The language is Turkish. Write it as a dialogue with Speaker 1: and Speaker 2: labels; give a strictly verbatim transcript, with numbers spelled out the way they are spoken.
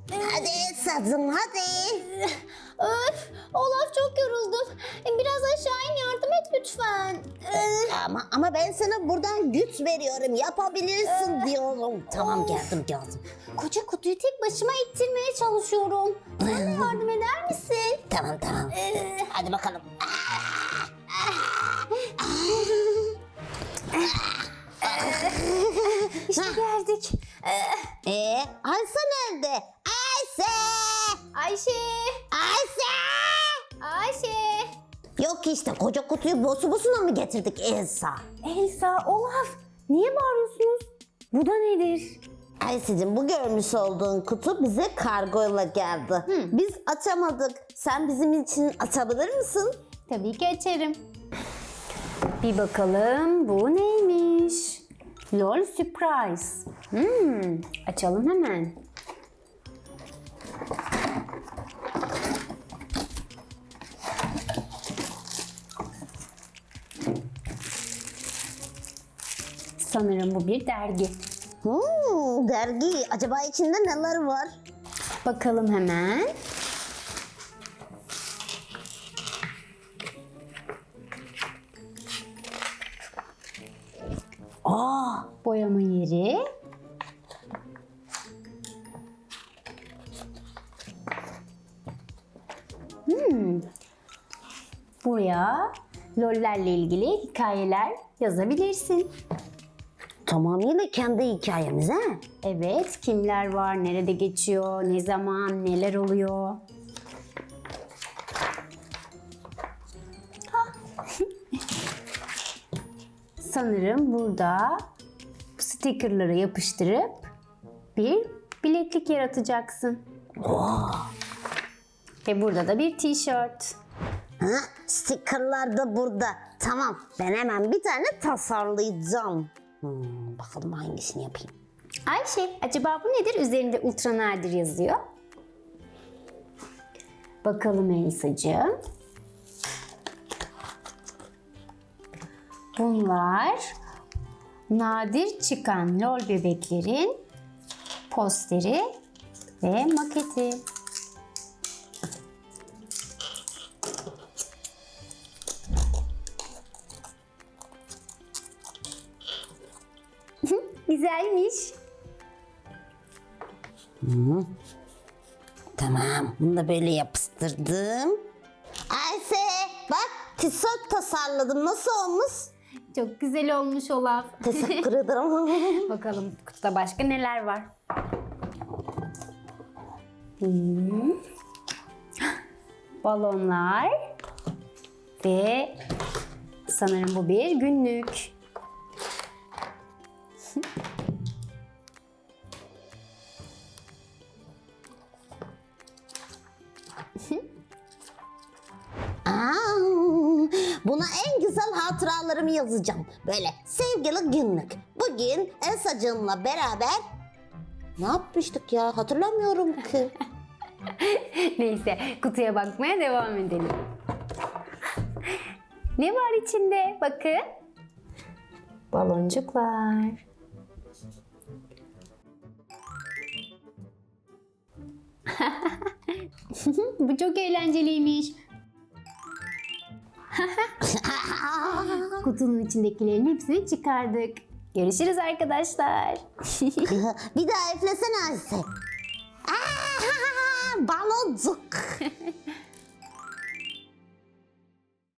Speaker 1: Hadi Elsa'cığım hadi.
Speaker 2: Öf, Olaf çok yoruldum. Biraz aşağı in, yardım et lütfen.
Speaker 1: Ama ama ben sana buradan güç veriyorum. Yapabilirsin diyorum. Tamam geldim geldim.
Speaker 2: Koca kutuyu tek başıma ittirmeye çalışıyorum. Sen de yardım eder misin?
Speaker 1: Tamam tamam. Hadi bakalım.
Speaker 2: İşte geldik.
Speaker 1: Ee, Ayşe nerede? Ayşe!
Speaker 2: Ayşe!
Speaker 1: Ayşe!
Speaker 2: Ayşe!
Speaker 1: Yok işte koca kutuyu bosu bosuna mı getirdik Elsa?
Speaker 2: Elsa, Olaf, niye bağırıyorsunuz? Bu da nedir?
Speaker 1: Ayşe'cim bu görmüş olduğun kutu bize kargoyla geldi.
Speaker 2: Hı.
Speaker 1: Biz açamadık. Sen bizim için açabilir misin?
Speaker 2: Tabii ki açarım. Bir bakalım bu neymiş? LOL Surprise. Hmm, açalım hemen. Sanırım bu bir dergi.
Speaker 1: Hmm, dergi. Acaba içinde neler var?
Speaker 2: Bakalım hemen.
Speaker 1: Aa,
Speaker 2: Boyama yeri. Hmm. Buraya LOL'lerle ilgili hikayeler yazabilirsin.
Speaker 1: tamamıyla kendi hikayemiz ha?
Speaker 2: Evet, kimler var, nerede geçiyor, ne zaman, neler oluyor. Ah. Sanırım burada bu stickerları yapıştırıp bir bileklik yaratacaksın. Ve burada da bir tişört.
Speaker 1: Ha, stickerlar da burada. Tamam, ben hemen bir tane tasarlayacağım. Hmm, bakalım hangisini yapayım.
Speaker 2: Ayşe, acaba bu nedir? Üzerinde ultra nadir yazıyor. Bakalım Elsa'cığım. Bunlar nadir çıkan LOL bebeklerin posteri ve maketi. Güzelmiş.
Speaker 1: Tamam, bunu da böyle yapıştırdım. Ayşe, bak tişört tasarladım. Nasıl olmuş?
Speaker 2: Çok güzel olmuş Olaf.
Speaker 1: Teşekkür ederim.
Speaker 2: Bakalım kutuda başka neler var. Hmm. Balonlar ve sanırım bu bir günlük.
Speaker 1: Aa, buna en güzel hatıralarımı yazacağım. Böyle sevgili günlük. Bugün Elsa'cığımla beraber ne yapmıştık ya? Hatırlamıyorum ki.
Speaker 2: Neyse, kutuya bakmaya devam edelim. Ne var içinde? Bakın. Baloncuklar. Bu çok eğlenceliymiş. Kutunun içindekilerin hepsini çıkardık. Görüşürüz arkadaşlar.
Speaker 1: Bir daha üflesene Ayşe.